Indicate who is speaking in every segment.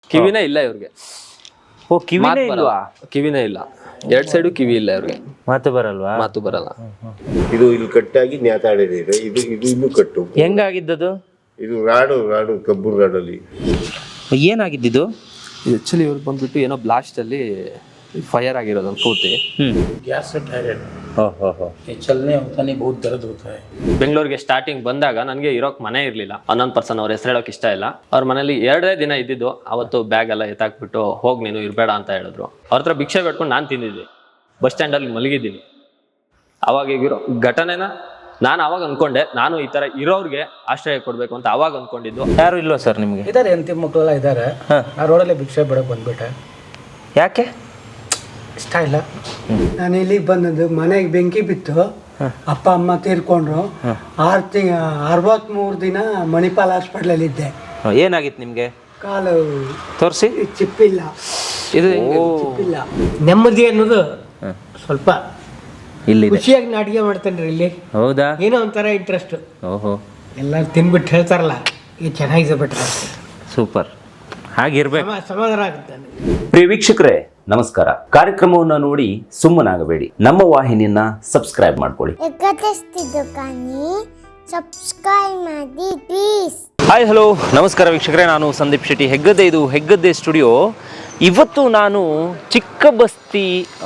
Speaker 1: ಕಿವಿನೇ ಇಲ್ಲ ಇವ್ರಿಗೆ.
Speaker 2: ಓ ಕಿವಿನೇ ಇಲ್ವಾ?
Speaker 1: ಕಿವಿನೇ ಇಲ್ಲ, ಎರಡ್ ಸೈಡು ಕಿವಿ ಇಲ್ಲ ಇವ್ರಿಗೆ.
Speaker 2: ಮಾತು ಬರಲ್ವಾ?
Speaker 1: ಮಾತು ಬರಲ್ಲ.
Speaker 3: ಇದು ಇಲ್ಲಿ ಕಟ್ಟಾಗಿ ನ್ಯಾತಾಡಿದೆ. ಇದು ಇದು ಇನ್ನೂ ಕಟ್ಟು.
Speaker 2: ಹೆಂಗಾಗಿದ್ದದು?
Speaker 3: ಇದು ರಾಡು ಕಬ್ಬು ರಾಡಲ್ಲಿ.
Speaker 2: ಏನಾಗಿದ್ದು?
Speaker 1: ಆಕ್ಚುಲಿ ಇವ್ರು ಬಂದ್ಬಿಟ್ಟು ಏನೋ ಬ್ಲಾಸ್ಟ್ ಅಲ್ಲಿ फायर ಆಗಿರೋದು ಒಂದು ಪೂರ್ತಿ.
Speaker 4: गैस से डायरेक्ट
Speaker 2: ಓಹೋ.
Speaker 4: ये चलने होता नहीं, बहुत दर्द होता है.
Speaker 1: ಬೆಂಗಳೂರಿಗೆ ಸ್ಟಾರ್ಟಿಂಗ್ ಬಂದಾಗ ನನಗೆ ಇರೋಕ್ ಮನೆ ಇರಲಿಲ್ಲ. 11 ಪರ್ಸನ್ ಅವ್ರ ಹೆಸರು ಹೇಳೋಕೆ ಇಷ್ಟ ಇಲ್ಲ. ಅವ್ರ ಮನೇಲಿ 2 ದಿನ ಇದ್ದಿದ್ದು. ಅವತ್ತು ಬ್ಯಾಗ್ ಎಲ್ಲ ಎತ್ತಾಕ್ಬಿಟ್ಟು ಹೋಗಿ ನೀನು ಇರಬೇಡ ಅಂತ ಹೇಳಿದ್ರು. ಅವ್ರ ಹತ್ರ ಭಿಕ್ಷೆ ಬೇಡ್ಕೊಂಡು ನಾನು ತಿಂದಿದ್ದೆ. ಬಸ್ ಸ್ಟ್ಯಾಂಡಲ್ಲಿ ಮಲಗಿದ್ದೀನಿ. ಅವಾಗ ಈಗಿರೋ ಘಟನೆನ ನಾನು ಅವಾಗ ಅನ್ಕೊಂಡೆ, ನಾನು ಈ ತರ ಇರೋರ್ಗೆ ಆಶ್ರಯ ಕೊಡ್ಬೇಕು ಅಂತ ಅವಾಗ ಅನ್ಕೊಂಡಿದ್ದು.
Speaker 2: ಯಾರು ಇಲ್ವಾ ಸರ್ ನಿಮಗೆ?
Speaker 4: ಇದಾರೆ ಹೆಂಡತಿ ಮಕ್ಕಳೆಲ್ಲ ಇದ್ದಾರೆ. ಆ ರೋಡಲ್ಲಿ ಭಿಕ್ಷೆ ಬಿಡಕ್ಕೆ ಬಂದ್ಬಿಟ್ಟೆ.
Speaker 2: ಯಾಕೆ?
Speaker 4: ಇಷ್ಟ ಇಲ್ಲ.
Speaker 5: ನಾನು ಇಲ್ಲಿಗೆ ಬಂದದ್ದು, ಮನೆಗೆ ಬೆಂಕಿ ಬಿತ್ತು, ಅಪ್ಪ ಅಮ್ಮ ತೀರ್ಕೊಂಡ್ರು. 63 ದಿನ ಮಣಿಪಾಲ್ ಹಾಸ್ಪಿಟ್ಲಲ್ಲಿ ಇದ್ದೆ.
Speaker 2: ಏನಾಗಿತ್ತು ನಿಮಗೆ?
Speaker 5: ಕಾಲು
Speaker 2: ತೋರಿಸಿ.
Speaker 5: ಚಿಪ್ಪಿಲ್ಲ,
Speaker 2: ಇದು
Speaker 5: ಚಿಪ್ಪಿಲ್ಲ. ನೆಮ್ಮದಿ ಅನ್ನೋದು ಸ್ವಲ್ಪ
Speaker 2: ಇಲ್ಲಿ
Speaker 5: ಖುಷಿಯಾಗಿ ನಾ ಅಡುಗೆ ಮಾಡ್ತೇನೆ ಇಲ್ಲಿ.
Speaker 2: ಹೌದಾ?
Speaker 5: ಏನೋ ಒಂಥರ ಇಂಟ್ರೆಸ್ಟ್.
Speaker 2: ಓಹೋ,
Speaker 5: ಎಲ್ಲರೂ ತಿನ್ಬಿಟ್ಟು ಹೇಳ್ತಾರಲ್ಲ, ಇದು ಚೆನ್ನಾಗಿದೆ ಬಿಟ್ರೆ
Speaker 2: ಸೂಪರ್. ಹಾಗಿರ್ಬೇಕು.
Speaker 5: ಸಮಾಧಾನ ಆಗುತ್ತೆ.
Speaker 6: ಪ್ರಿಯ ವೀಕ್ಷಕರೇ ನಮಸ್ಕಾರ. ಕಾರ್ಯಕ್ರಮವನ್ನು ನೋಡಿ ಸುಮ್ಮನಾಗಬೇಡಿ, ನಮ್ಮ ವಾಹಿನಿಯನ್ನ ಸಬ್ಸ್ಕ್ರೈಬ್ ಮಾಡ್ಕೊಳ್ಳಿ.
Speaker 7: ಎಕ್ಕತ್ತಿಸ್ತಿದ್ದು ಕಾನಿ ಸಬ್ಸ್ಕ್ರೈಬ್ ಮಾಡಿ ಪ್ಲೀಸ್.
Speaker 2: ಹಾಯ್ ಹಲೋ ನಮಸ್ಕಾರ ವೀಕ್ಷಕರೇ, ನಾನು ಸಂದೀಪ್ ಶೆಟ್ಟಿ, ಹೆಗ್ಗದ್ದೆ. ಇದು ಹೆಗ್ಗದ್ದೆ ಸ್ಟುಡಿಯೋ. ಇವತ್ತು ನಾನು ಚಿಕ್ಕಬಸ್ತಿ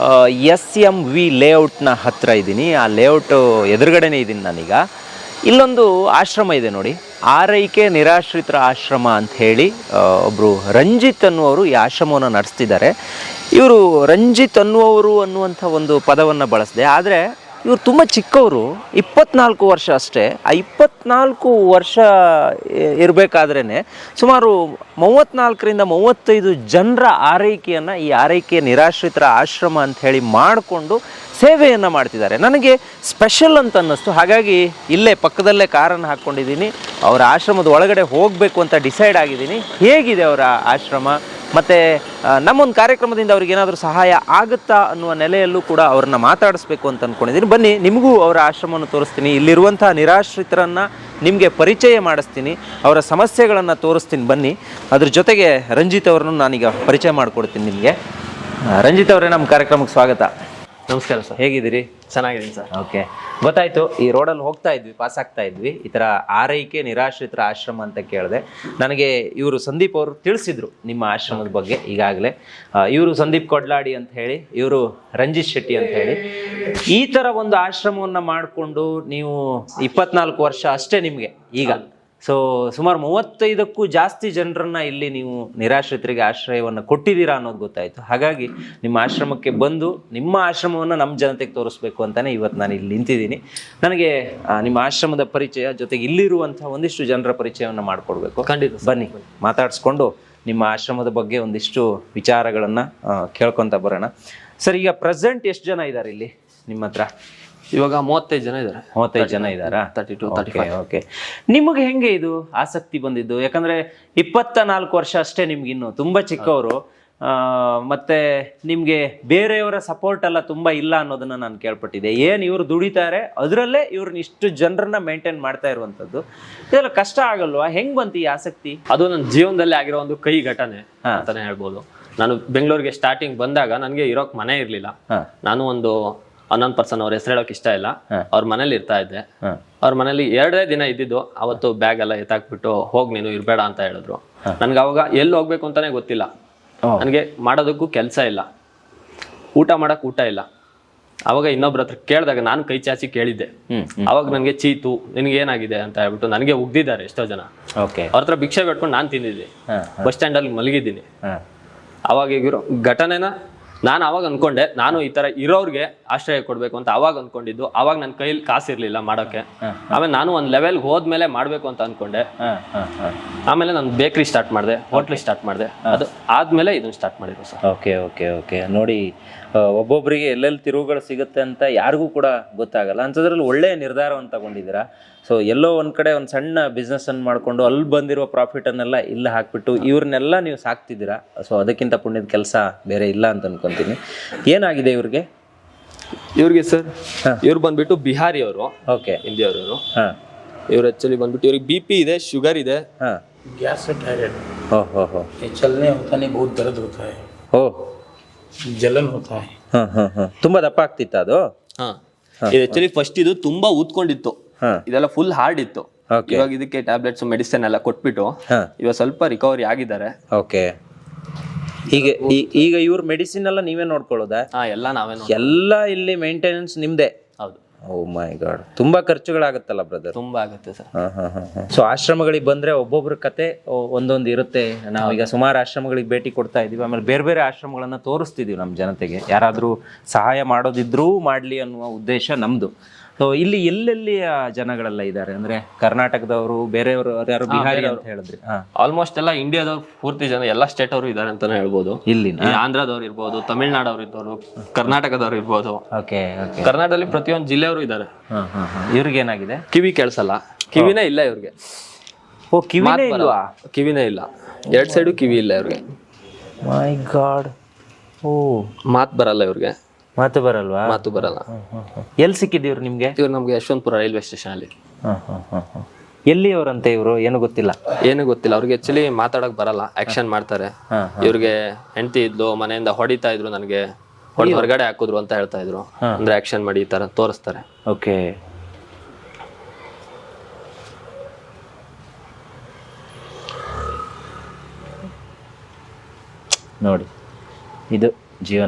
Speaker 2: SMV ಲೇಔಟ್ನ ಹತ್ತಿರ ಇದ್ದೀನಿ. ಆ ಲೇಔಟ್ ಎದುರುಗಡೆನೇ ಇದ್ದೀನಿ ನಾನೀಗ. ಇಲ್ಲೊಂದು ಆಶ್ರಮ ಇದೆ ನೋಡಿ, ಆರೈಕೆ ನಿರಾಶ್ರಿತರ ಆಶ್ರಮ ಅಂತ ಹೇಳಿ ಒಬ್ಬರು ರಂಜಿತ್ ಅನ್ನುವರು ಈ ಆಶ್ರಮವನ್ನು ನಡೆಸ್ತಿದ್ದಾರೆ. ಇವರು ರಂಜಿತ್ ಅನ್ನುವರು ಅನ್ನುವಂಥ ಒಂದು ಪದವನ್ನು ಬಳಸಿದೆ. ಆದರೆ ಇವರು ತುಂಬ ಚಿಕ್ಕವರು, 24 ವರ್ಷ ಅಷ್ಟೇ. ಆ 24 ವರ್ಷ ಇರಬೇಕಾದ್ರೇ ಸುಮಾರು 34ರಿಂದ 35 ಜನರ ಆರೈಕೆಯನ್ನು ಈ ಆರೈಕೆ ನಿರಾಶ್ರಿತರ ಆಶ್ರಮ ಅಂತ ಹೇಳಿ ಮಾಡಿಕೊಂಡು ಸೇವೆಯನ್ನು ಮಾಡ್ತಿದ್ದಾರೆ. ನನಗೆ ಸ್ಪೆಷಲ್ ಅಂತ ಅನ್ನಿಸ್ತು. ಹಾಗಾಗಿ ಇಲ್ಲೇ ಪಕ್ಕದಲ್ಲೇ ಕಾರನ್ನು ಹಾಕ್ಕೊಂಡಿದ್ದೀನಿ. ಅವರ ಆಶ್ರಮದ ಒಳಗಡೆ ಹೋಗಬೇಕು ಅಂತ ಡಿಸೈಡ್ ಆಗಿದ್ದೀನಿ. ಹೇಗಿದೆ ಅವರ ಆಶ್ರಮ, ಮತ್ತು ನಮ್ಮೊಂದು ಕಾರ್ಯಕ್ರಮದಿಂದ ಅವ್ರಿಗೆ ಏನಾದರೂ ಸಹಾಯ ಆಗುತ್ತಾ ಅನ್ನುವ ನೆಲೆಯಲ್ಲೂ ಕೂಡ ಅವ್ರನ್ನ ಮಾತಾಡಿಸ್ಬೇಕು ಅಂತ ಅಂದ್ಕೊಂಡಿದ್ದೀನಿ. ಬನ್ನಿ, ನಿಮಗೂ ಅವರ ಆಶ್ರಮವನ್ನು ತೋರಿಸ್ತೀನಿ, ಇಲ್ಲಿರುವಂಥ ನಿರಾಶ್ರಿತರನ್ನು ನಿಮಗೆ ಪರಿಚಯ ಮಾಡಿಸ್ತೀನಿ, ಅವರ ಸಮಸ್ಯೆಗಳನ್ನು ತೋರಿಸ್ತೀನಿ. ಬನ್ನಿ, ಅದ್ರ ಜೊತೆಗೆ ರಂಜಿತ್ ಅವ್ರನ್ನು ನಾನೀಗ ಪರಿಚಯ ಮಾಡಿಕೊಡ್ತೀನಿ ನಿಮಗೆ. ರಂಜಿತ್ ಅವರೇ, ನಮ್ಮ ಕಾರ್ಯಕ್ರಮಕ್ಕೆ ಸ್ವಾಗತ.
Speaker 1: ನಮಸ್ಕಾರ ಸರ್.
Speaker 2: ಹೇಗಿದ್ದೀರಿ?
Speaker 1: ಚೆನ್ನಾಗಿದ್ದೀನಿ ಸರ್.
Speaker 2: ಓಕೆ, ಗೊತ್ತಾಯ್ತು. ಈ ರೋಡಲ್ಲಿ ಹೋಗ್ತಾ ಇದ್ವಿ, ಪಾಸ್ ಆಗ್ತಾ ಇದ್ವಿ, ಈ ಥರ ಆರೈಕೆ ನಿರಾಶ್ರಿತರ ಆಶ್ರಮ ಅಂತ ಕೇಳಿದೆ. ನನಗೆ ಇವರು ಸಂದೀಪ್ ಅವರು ತಿಳಿಸಿದ್ರು ನಿಮ್ಮ ಆಶ್ರಮದ ಬಗ್ಗೆ. ಈಗಾಗಲೇ ಇವರು ಸಂದೀಪ್ ಕೊಡ್ಲಾಡಿ ಅಂತ ಹೇಳಿ, ಇವರು ರಂಜಿತ್ ಶೆಟ್ಟಿ ಅಂತ ಹೇಳಿ, ಈ ಥರ ಒಂದು ಆಶ್ರಮವನ್ನು ಮಾಡಿಕೊಂಡು ನೀವು 24 ವರ್ಷ ಅಷ್ಟೇ ನಿಮಗೆ ಈಗ. ಸೊ ಸುಮಾರು 35ಕ್ಕೂ ಜಾಸ್ತಿ ಜನರನ್ನ ಇಲ್ಲಿ ನೀವು ನಿರಾಶ್ರಿತರಿಗೆ ಆಶ್ರಯವನ್ನು ಕೊಟ್ಟಿದ್ದೀರಾ ಅನ್ನೋದು ಗೊತ್ತಾಯಿತು. ಹಾಗಾಗಿ ನಿಮ್ಮ ಆಶ್ರಮಕ್ಕೆ ಬಂದು ನಿಮ್ಮ ಆಶ್ರಮವನ್ನು ನಮ್ಮ ಜನತೆಗೆ ತೋರಿಸ್ಬೇಕು ಅಂತಲೇ ಇವತ್ತು ನಾನು ಇಲ್ಲಿ ನಿಂತಿದ್ದೀನಿ. ನನಗೆ ನಿಮ್ಮ ಆಶ್ರಮದ ಪರಿಚಯ ಜೊತೆಗೆ ಇಲ್ಲಿರುವಂಥ ಒಂದಿಷ್ಟು ಜನರ ಪರಿಚಯವನ್ನು ಮಾಡಿಕೊಡ್ಬೇಕು.
Speaker 1: ಖಂಡಿತ
Speaker 2: ಬನ್ನಿ, ಮಾತಾಡಿಸ್ಕೊಂಡು ನಿಮ್ಮ ಆಶ್ರಮದ ಬಗ್ಗೆ ಒಂದಿಷ್ಟು ವಿಚಾರಗಳನ್ನು ಕೇಳ್ಕೊತ ಬರೋಣ. ಸರ್, ಈಗ ಪ್ರೆಸೆಂಟ್ ಎಷ್ಟು ಜನ ಇದ್ದಾರೆ ಇಲ್ಲಿ ನಿಮ್ಮ ಹತ್ರ?
Speaker 1: ಇವಾಗ 35 ಜನ ಇದ್ದಾರೆ.
Speaker 2: 35 ಜನ ಇದ್ದಾರಾ?
Speaker 1: 32, 35.
Speaker 2: ಓಕೆ. ನಿಮಗೆ ಹೆಂಗೆ ಇದು ಆಸಕ್ತಿ ಬಂದಿದ್ದು? ಯಾಕಂದ್ರೆ 24 ವರ್ಷ ಅಷ್ಟೇ ನಿಮ್ಗೆ, ಇನ್ನು ತುಂಬಾ ಚಿಕ್ಕವರು. ಮತ್ತೆ ನಿಮ್ಗೆ ಬೇರೆಯವರ ಸಪೋರ್ಟ್ ಎಲ್ಲ ತುಂಬಾ ಇಲ್ಲ ಅನ್ನೋದನ್ನ ನಾನು ಕೇಳ್ಪಟ್ಟಿದ್ದೆ. ಏನ್ ಇವ್ರು ದುಡಿತಾರೆ, ಅದರಲ್ಲೇ ಇವ್ರನ್ನ ಇಷ್ಟು ಜನರನ್ನ ಮೇಂಟೈನ್ ಮಾಡ್ತಾ ಇರುವಂತದ್ದು, ಇದೆಲ್ಲ ಕಷ್ಟ ಆಗಲ್ವಾ? ಹೆಂಗ್ ಬಂತು ಈ ಆಸಕ್ತಿ?
Speaker 1: ಅದು ನನ್ನ ಜೀವನದಲ್ಲಿ ಆಗಿರೋ ಒಂದು ಕೈ ಘಟನೆ ಅಂತಾನೆ ಹೇಳ್ಬೋದು. ನಾನು ಬೆಂಗಳೂರಿಗೆ ಸ್ಟಾರ್ಟಿಂಗ್ ಬಂದಾಗ ನನಗೆ ಇರೋಕ್ ಮನೆ ಇರ್ಲಿಲ್ಲ. ನಾನು ಒಂದು 11 ಪರ್ಸನ್ ಅವ್ರ ಹೆಸರು ಹೇಳೋಕೆ ಇಷ್ಟ ಇಲ್ಲ. ಅವ್ರ ಮನೇಲಿ ಇರ್ತಾ ಇದ್ದೆ. ಅವ್ರ ಮನೇಲಿ 2 ದಿನ ಇದ್ದಿದ್ದು. ಅವತ್ತು ಬ್ಯಾಗ್ ಎಲ್ಲ ಎತ್ತಾಕ್ಬಿಟ್ಟು ಹೋಗಿ ನೀನು ಇರಬೇಡ ಅಂತ ಹೇಳಿದ್ರು. ನನ್ಗೆ ಅವಾಗ ಎಲ್ಲಿ ಹೋಗ್ಬೇಕು ಅಂತಾನೆ ಗೊತ್ತಿಲ್ಲ. ನನಗೆ ಮಾಡೋದಕ್ಕೂ ಕೆಲಸ ಇಲ್ಲ, ಊಟ ಮಾಡಕ್ ಊಟ ಇಲ್ಲ. ಅವಾಗ ಇನ್ನೊಬ್ರ ಹತ್ರ ಕೇಳಿದಾಗ ನಾನು ಕೈ ಚಾಚಿ ಕೇಳಿದ್ದೆ. ಅವಾಗ ನನಗೆ ಚೀತು, ನಿನ್ಗೆ ಏನಾಗಿದೆ ಅಂತ ಹೇಳ್ಬಿಟ್ಟು ನನಗೆ ಉಗ್ದಿದ್ದಾರೆ ಎಷ್ಟೋ ಜನ. ಅವ್ರ ಹತ್ರ ಭಿಕ್ಷೆ ಬೇಡ್ಕೊಂಡು ನಾನು ತಿಂದಿದ್ದೆ. ಬಸ್ ಸ್ಟ್ಯಾಂಡಲ್ಲಿ ಮಲಗಿದ್ದೀನಿ. ಅವಾಗ ಈಗಿರೋ ಘಟನೆನ ನಾನು ಅವಾಗ ಅನ್ಕೊಂಡೆ, ನಾನು ಈ ತರ ಇರೋರ್ಗೆ ಆಶ್ರಯ ಕೊಡ್ಬೇಕು ಅಂತ ಅವಾಗ ಅನ್ಕೊಂಡಿದ್ದು. ಅವಾಗ ನನ್ನ ಕೈಲಿ ಕಾಸಿರ್ಲಿಲ್ಲ ಮಾಡೋಕೆ. ಆಮೇಲೆ ನಾನು ಒಂದು ಲೆವೆಲ್ಗೆ ಹೋದ್ಮೇಲೆ ಮಾಡ್ಬೇಕು ಅಂತ ಅನ್ಕೊಂಡೆ. ಆಮೇಲೆ ನಾನು ಬೇಕ್ರಿ ಸ್ಟಾರ್ಟ್ ಮಾಡಿದೆ, ಹೋಟ್ಲ್ ಸ್ಟಾರ್ಟ್ ಮಾಡಿದೆ. ಅದು ಆದ್ಮೇಲೆ ಇದನ್ನ ಸ್ಟಾರ್ಟ್ ಮಾಡಿದ್ರು ಸರ್.
Speaker 2: Okay okay okay. ನೋಡಿ, ಒಬ್ಬೊಬ್ಬರಿಗೆ ಎಲ್ಲೆಲ್ಲಿ ತಿರುವುಗಳು ಸಿಗುತ್ತೆ ಅಂತ ಯಾರಿಗೂ ಕೂಡ ಗೊತ್ತಾಗಲ್ಲ. ಅಂಥದ್ರಲ್ಲಿ ಒಳ್ಳೆಯ ನಿರ್ಧಾರವನ್ನು ತಗೊಂಡಿದ್ದೀರಾ. ಸೊ ಎಲ್ಲೋ ಒಂದು ಕಡೆ ಒಂದು ಸಣ್ಣ ಬಿಸ್ನೆಸ್ಸನ್ನು ಮಾಡಿಕೊಂಡು ಅಲ್ಲಿ ಬಂದಿರುವ ಪ್ರಾಫಿಟನ್ನೆಲ್ಲ ಇಲ್ಲಿ ಹಾಕ್ಬಿಟ್ಟು ಇವ್ರನ್ನೆಲ್ಲ ನೀವು ಸಾಕ್ತಿದ್ದೀರಾ. ಸೊ ಅದಕ್ಕಿಂತ ಪುಣ್ಯದ ಕೆಲಸ ಬೇರೆ ಇಲ್ಲ ಅಂತ ಅನ್ಕೊತೀನಿ. ಏನಾಗಿದೆ ಇವ್ರಿಗೆ?
Speaker 1: ಸರ್, ಇವ್ರು ಬಂದ್ಬಿಟ್ಟು ಬಿಹಾರಿ ಅವರು.
Speaker 2: ಓಕೆ,
Speaker 1: ಹಿಂದಿಯವರು. ಇವ್ರು ಆಕ್ಚುಲಿ ಬಂದ್ಬಿಟ್ಟು ಇವ್ರಿಗೆ BP ಇದೆ, ಶುಗರ್ ಇದೆ,
Speaker 4: गैस से डायरेक्ट
Speaker 2: हो
Speaker 4: ये चलने होता नहीं, बहुत दर्द होता है,
Speaker 2: ಓ
Speaker 4: जलन होता है।
Speaker 2: ಹಾಂ ತುಂಬ ದಪ್ಪ ಆಗ್ತಿತ್ತ ಅದು?
Speaker 1: ಹಾ ಇದು ಆಕ್ಚುಲಿ ಫಸ್ಟ್ ಇದು ತುಂಬಾ ಊದ್ಕೊಂಡಿತ್ತು, ಇದೆಲ್ಲ ಫುಲ್ ಹಾರ್ಡ್ ಇತ್ತು. ಇವಾಗ ಇದಕ್ಕೆ ಟ್ಯಾಬ್ಲೆಟ್ಸ್ ಮೆಡಿಸಿನ್ ಎಲ್ಲ ಕೊಟ್ಬಿಟ್ಟು ಇವಾಗ ಸ್ವಲ್ಪ ರಿಕವರಿ ಆಗಿದ್ದಾರೆ.
Speaker 2: ಓಕೆ. ಹೀಗೆ ಈಗ ಇವ್ರ ಮೆಡಿಸಿನ್ ಎಲ್ಲ ನೀವೇ ನೋಡ್ಕೊಳ್ಳೋದಾ?
Speaker 1: ಎಲ್ಲ ನಾವೇ
Speaker 2: ಎಲ್ಲ ಇಲ್ಲಿ ಮೇಂಟೆನೆನ್ಸ್ ನಿಮ್ದೇ?
Speaker 1: ಹೌದು.
Speaker 2: ಓ ಮೈ ಗಾಡ್, ತುಂಬಾ ಖರ್ಚುಗಳಾಗತ್ತಲ್ಲ ಬ್ರದರ್?
Speaker 1: ತುಂಬಾ ಆಗುತ್ತೆ ಸರ್.
Speaker 2: ಸೊ ಆಶ್ರಮಗಳಿಗೆ ಬಂದ್ರೆ ಒಬ್ಬೊಬ್ರ ಕತೆ ಒಂದೊಂದು ಇರುತ್ತೆ. ನಾವೀಗ ಸುಮಾರು ಆಶ್ರಮಗಳಿಗೆ ಭೇಟಿ ಕೊಡ್ತಾ ಇದೀವಿ, ಆಮೇಲೆ ಬೇರೆ ಬೇರೆ ಆಶ್ರಮಗಳನ್ನ ತೋರಿಸ್ತಿದೀವಿ ನಮ್ಮ ಜನತೆಗೆ. ಯಾರಾದ್ರೂ ಸಹಾಯ ಮಾಡೋದಿದ್ರೂ ಮಾಡ್ಲಿ ಅನ್ನುವ ಉದ್ದೇಶ ನಮ್ದು. ಸೊ ಇಲ್ಲಿ ಎಲ್ಲೆಲ್ಲಿ ಜನಗಳೆಲ್ಲ ಇದ್ದಾರೆ ಅಂದ್ರೆ ಕರ್ನಾಟಕದವರು, ಬೇರೆಯವರು, ಯಾರು ಬಿಹಾರಿ ಅಂತ ಹೇಳಿದ್ರಿ?
Speaker 1: ಆಲ್ಮೋಸ್ಟ್ ಎಲ್ಲ ಇಂಡಿಯಾದವ್ರು ಪೂರ್ತಿ ಜನ ಎಲ್ಲ ಸ್ಟೇಟ್ ಅವರು ಇದಾರೆ ಅಂತಾನೆ ಹೇಳ್ಬೋದು.
Speaker 2: ಇಲ್ಲಿ
Speaker 1: ಆಂಧ್ರದವ್ರು ಇರ್ಬೋದು, ತಮಿಳ್ನಾಡವ್ರು ಇರ್ಬೋದು, ಕರ್ನಾಟಕದವ್ರು ಇರ್ಬೋದು.
Speaker 2: ಓಕೆ.
Speaker 1: ಕರ್ನಾಟಕದಲ್ಲಿ ಪ್ರತಿಯೊಂದು ಜಿಲ್ಲೆಯವರು ಇದ್ದಾರೆ.
Speaker 2: ಇವ್ರಿಗೆ ಏನಾಗಿದೆ?
Speaker 1: ಕಿವಿ ಕೇಳಿಸಲ್ಲ, ಕಿವಿನೇ ಇಲ್ಲ ಇವ್ರಿಗೆ.
Speaker 2: ಓ ಕಿವಿನೇ ಇಲ್ವಾ?
Speaker 1: ಕಿವಿನೇ ಇಲ್ಲ, 2 ಸೈಡು ಕಿವಿ ಇಲ್ಲ ಇವ್ರಿಗೆ.
Speaker 2: ಮೈ ಗಾಡ್. ಓ
Speaker 1: ಮಾತು ಬರಲ್ಲ ಇವ್ರಿಗೆ.
Speaker 2: ಮಾತು ಬರಲ್ವಾ?
Speaker 1: ಮಾತು ಬರಲ್ಲ.
Speaker 2: ಎಲ್ಲಿ ಸಿಕ್ಕಿದ್ದೀವ್ರು ನಿಮ್ಗೆ?
Speaker 1: ಇವ್ರು ನಮ್ಗೆ ಯಶವಂತಪುರ ರೈಲ್ವೆ ಸ್ಟೇಷನ್ ಅಲ್ಲಿ.
Speaker 2: ಎಲ್ಲಿ ಅವರಂತೆ ಇವರು? ಏನು ಗೊತ್ತಿಲ್ಲ.
Speaker 1: ಏನು ಗೊತ್ತಿಲ್ಲ ಅವ್ರಿಗೆ. ಆಕ್ಚುಲಿ ಮಾತಾಡಕ್ ಬರಲ್ಲ, ಆಕ್ಷನ್ ಮಾಡ್ತಾರೆ. ಇವ್ರಿಗೆ ಹೆಂಡತಿ ಇದ್ಲು, ಮನೆಯಿಂದ ಹೊಡಿತಾ ಇದ್ರು, ನನಗೆ ಹೊರಗಡೆ ಹಾಕಿದ್ರು ಅಂತ ಹೇಳ್ತಾ ಇದ್ರು. ಅಂದ್ರೆ ಆಕ್ಷನ್ ಮಾಡಿ ಈ ತರ ತೋರಿಸ್ತಾರೆ.
Speaker 2: ಓಕೆ. ನೋಡಿ, ಇದು ಜೀವನ.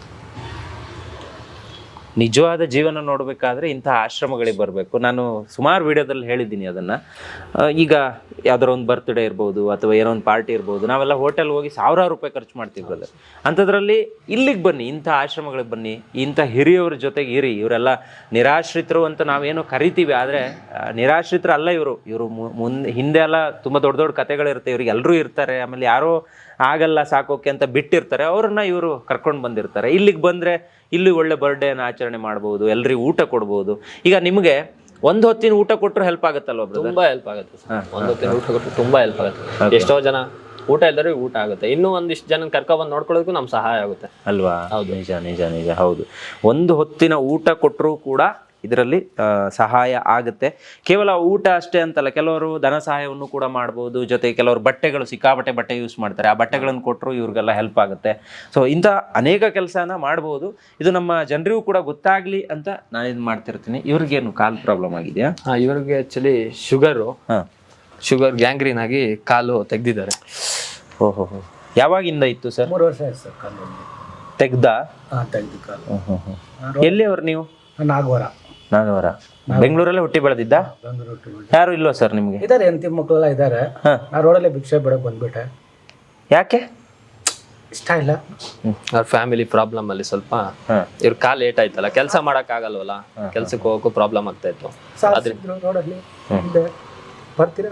Speaker 2: ನಿಜವಾದ ಜೀವನ ನೋಡಬೇಕಾದ್ರೆ ಇಂಥ ಆಶ್ರಮಗಳಿಗೆ ಬರಬೇಕು. ನಾನು ಸುಮಾರು ವಿಡಿಯೋದಲ್ಲಿ ಹೇಳಿದ್ದೀನಿ ಅದನ್ನು. ಈಗ ಯಾವ್ದಾರ ಒಂದು ಬರ್ತ್ಡೇ ಇರ್ಬೋದು ಅಥವಾ ಏನೋ ಒಂದು ಪಾರ್ಟಿ ಇರ್ಬೋದು, ನಾವೆಲ್ಲ ಹೋಟೆಲ್ ಹೋಗಿ ಸಾವಿರಾರು ರೂಪಾಯಿ ಖರ್ಚು ಮಾಡ್ತೀವಿ ಬ್ರದರ್. ಅಂಥದ್ರಲ್ಲಿ ಇಲ್ಲಿಗೆ ಬನ್ನಿ, ಇಂಥ ಆಶ್ರಮಗಳಿಗೆ ಬನ್ನಿ, ಇಂಥ ಹಿರಿಯವ್ರ ಜೊತೆಗೆ ಇರಿ. ಇವರೆಲ್ಲ ನಿರಾಶ್ರಿತರು ಅಂತ ನಾವೇನೋ ಕರಿತೀವಿ, ಆದರೆ ನಿರಾಶ್ರಿತರು ಅಲ್ಲ ಇವರು. ಹಿಂದೆ ಎಲ್ಲ ತುಂಬ ದೊಡ್ಡ ದೊಡ್ಡ ಕಥೆಗಳಿರುತ್ತೆ, ಇವ್ರಿಗೆ ಎಲ್ಲರೂ ಇರ್ತಾರೆ. ಆಮೇಲೆ ಯಾರೋ ಆಗಲ್ಲ ಸಾಕೋಕೆ ಅಂತ ಬಿಟ್ಟಿರ್ತಾರೆ, ಅವ್ರನ್ನ ಇವರು ಕರ್ಕೊಂಡು ಬಂದಿರ್ತಾರೆ. ಇಲ್ಲಿಗೆ ಬಂದರೆ ಇಲ್ಲಿ ಒಳ್ಳೆ ಬರ್ಡೇನ ಆಚರಣೆ ಮಾಡ್ಬೋದು, ಎಲ್ರಿಗೂ ಊಟ ಕೊಡ್ಬೋದು. ಈಗ ನಿಮಗೆ ಒಂದು ಹೊತ್ತಿನ ಊಟ ಕೊಟ್ಟರು ಹೆಲ್ಪ್ ಆಗುತ್ತಲ್ವ ಬ್ರದರ್?
Speaker 1: ತುಂಬಾ ಹೆಲ್ಪ್ ಆಗುತ್ತೆ ಸರ್. ಒಂದು ಹೊತ್ತಿನ ಊಟ ಕೊಟ್ಟರು ತುಂಬಾ ಹೆಲ್ಪ್ ಆಗುತ್ತೆ. ಎಷ್ಟೋ ಜನ ಊಟ ಇಲ್ಲದ್ರೆ ಊಟ ಆಗುತ್ತೆ. ಇನ್ನೂ ಒಂದಿಷ್ಟು ಜನ ಕರ್ಕೊಬಂದು ನೋಡ್ಕೊಳ್ಳೋದಕ್ಕೂ ನಮ್ಗೆ ಸಹಾಯ ಆಗುತ್ತೆ
Speaker 2: ಅಲ್ವಾ? ಹೌದು, ನಿಜ ನಿಜ ನಿಜ. ಹೌದು, ಒಂದು ಹೊತ್ತಿನ ಊಟ ಕೊಟ್ಟರು ಕೂಡ ಇದರಲ್ಲಿ ಸಹಾಯ ಆಗುತ್ತೆ. ಕೇವಲ ಊಟ ಅಷ್ಟೇ ಅಂತಲ್ಲ, ಕೆಲವರು ಧನ ಸಹಾಯವನ್ನು ಕೂಡ ಮಾಡ್ಬೋದು. ಜೊತೆಗೆ ಕೆಲವರು ಬಟ್ಟೆಗಳು, ಸಿಕ್ಕಾಬಟ್ಟೆ ಬಟ್ಟೆ ಯೂಸ್ ಮಾಡ್ತಾರೆ, ಆ ಬಟ್ಟೆಗಳನ್ನು ಕೊಟ್ಟರು ಇವ್ರಿಗೆಲ್ಲ ಹೆಲ್ಪ್ ಆಗುತ್ತೆ. ಸೊ ಇಂಥ ಅನೇಕ ಕೆಲಸನ ಮಾಡ್ಬೋದು. ಇದು ನಮ್ಮ ಜನರಿಗೂ ಕೂಡ ಗೊತ್ತಾಗ್ಲಿ ಅಂತ ನಾನು ಇದು ಮಾಡ್ತಿರ್ತೀನಿ. ಇವ್ರಿಗೇನು ಕಾಲು ಪ್ರಾಬ್ಲಮ್ ಆಗಿದೆಯಾ?
Speaker 1: ಇವ್ರಿಗೆ ಆಕ್ಚುಲಿ ಶುಗರ್ ಗ್ಯಾಂಗ್ರೀನ್ ಆಗಿ ಕಾಲು ತೆಗ್ದಿದ್ದಾರೆ.
Speaker 2: ಓಹೋ, ಯಾವಾಗಿಂದ ಇತ್ತು ಸರ್?
Speaker 4: 3 ವರ್ಷ ಆಯ್ತು ಸರ್ ಕಾಲು
Speaker 2: ತೆಗ್ದ?
Speaker 4: ತೆಗ್ದು ಕಾಲು.
Speaker 2: ಎಲ್ಲಿ ಅವ್ರು ನೀವು?
Speaker 4: ನಾಗವರ.
Speaker 2: ಬೆಂಗಳೂರಲ್ಲೇ ಹುಟ್ಟಿ ಬೆಳೆದಿದ್ದ? ಯಾರು ಇಲ್ವಾ ಸರ್ ನಿಮ್ಗೆ?
Speaker 4: ಇದಾರೆ, ಹೆಂಡತಿ ಮಕ್ಕಳೆಲ್ಲ ಇದಾರೆ. ನಾ ರೋಡಲ್ಲೇ ಭಿಕ್ಷೆ ಬಿಡಕ್ ಬಂದ್ಬಿಟ್ಟೆ.
Speaker 2: ಯಾಕೆ?
Speaker 4: ಇಷ್ಟ ಇಲ್ಲ.
Speaker 1: ಅವ್ರ ಫ್ಯಾಮಿಲಿ ಪ್ರಾಬ್ಲಮ್ ಅಲ್ಲಿ ಸ್ವಲ್ಪ ಇವ್ರ ಕಾಲ್ ಲೇಟ್ ಆಯ್ತಲ್ಲ, ಕೆಲಸ ಮಾಡಕ್ ಆಗಲ್ವಲ್ಲ, ಕೆಲ್ಸಕ್ಕೆ ಹೋಗಕ್ಕೂ ಪ್ರಾಬ್ಲಮ್ ಆಗ್ತಾ ಇತ್ತು.
Speaker 4: ರೋಡಲ್ಲಿ ಬರ್ತೀರಾ?